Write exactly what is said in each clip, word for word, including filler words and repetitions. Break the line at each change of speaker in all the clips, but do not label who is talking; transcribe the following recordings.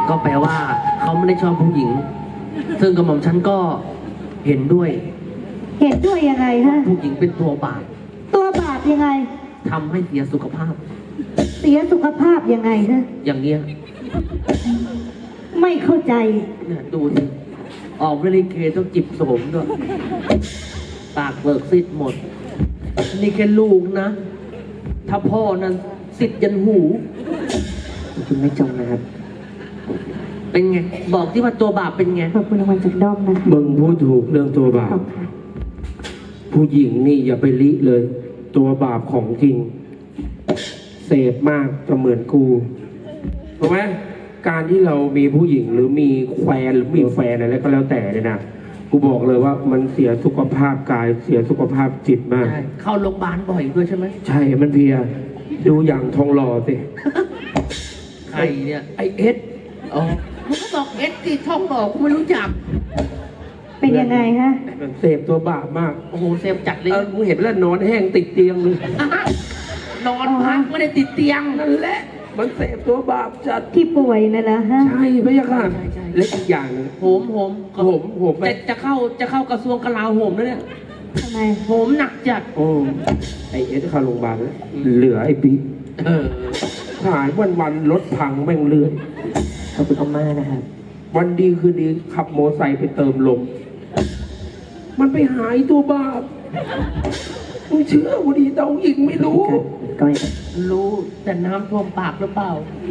ก็แปลว่าเขาไม่ได้ชอบผู้หญิงซึ่งกระหม่อมฉันก็เห็นด้วย
เห็นด้วยยังไงฮะ
ผู้หญิงเป็นตัวบาป
ตัวบาปยังไง
ทำให้เสียสุขภาพ
เสียสุขภาพยังไงฮะ
อย่างเงี้ย
ไม่เข้าใจ
เนี่ยดูสิออกเรลิเกต้องจิบโสมด้วยปากเบิกซิดหมดนี่แค่ลูกนะถ้าพ่อนั้นซิดยันหูคุณไม่จงนะครับเป็นไงบอกที่ว่าตัวบาปเป็นไง
ขอบคุณรางวัลจากด้อมนะ
มึงพูดถูกเรื่องตัวบาปผู้หญิงนี่อย่าไปลิเลยตัวบาปของจริงเสพมากจะเหมือนกูถูกไหมการที่เรามีผู้หญิงหรือมีแฟนหรือมีแฟนอะไรก็แล้วแต่เนี่ยนะกูบอกเลยว่ามันเสียสุขภาพกายเสียสุขภาพจิตมาก
เข้าโรงพยาบาลบ่อยด้วยใช่ไหม
ใช่มันเพียดูอย่างทองหล่อสิ
ใครเนี่ย
ไอเอส
อ๋อมึงก็บอกเอสสิทองหล่อกูไม่รู้จัก
เป็นยังไงฮะ
มันเสพตัวบาปมาก
โอ้โหเสพจัดเลย
เออกูเห็นแล้วนอนแห้งติดเตียงเลย
นอนพักไม่ได้ติดเตียง
นั่นแหละมันเสพตัวบาปจัด
ที่ป่วยนั่นแหละฮะ
ใช่พะยะค่ะเล็กอีกอย่างนึง
โหมโหม
โหมโหม
จะจะเข้าจะเข้ากระทรวงกลาโหมแล้วเนี่ย
ทำไม
โหมหนักจัด
โอ้ไอเอสเข้าโรงพยาบาลแล้วเหลือไอปี
เออ
หายวันวันรถพังแม่งเลื่อย
ขอบคุณมากนะครับ
วันดีคืนดีขับมอไซค์ไปเติมลมมันไปหายตัวบาปมึงเชื่อกูดีเต้าหญิงไม่รู้
ก็รู้แต่น้ำท่วมปากหรือเปล่า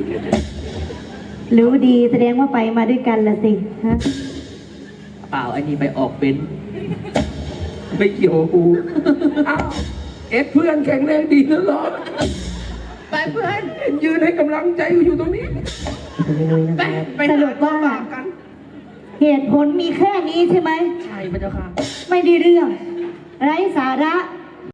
รู้ดีแสดงว่าไปมาด้วยกันละสิฮะ
เปล่าอันนี้ไปออกเป็น
ไม่เกี่ยวกับกูอ้าวเอฟเพื่อนแข็งแรงดีนะหรอ
ไปเพื่อน
ยืนให้กำลังใจอยู่ตรงนี้
ไปไป
สรุปว่าเหตุผลมีแค่นี้ใช่ไหม
ใช่พระเจ้าค่ะ
ไม่ได้เรื่องไร้สาระ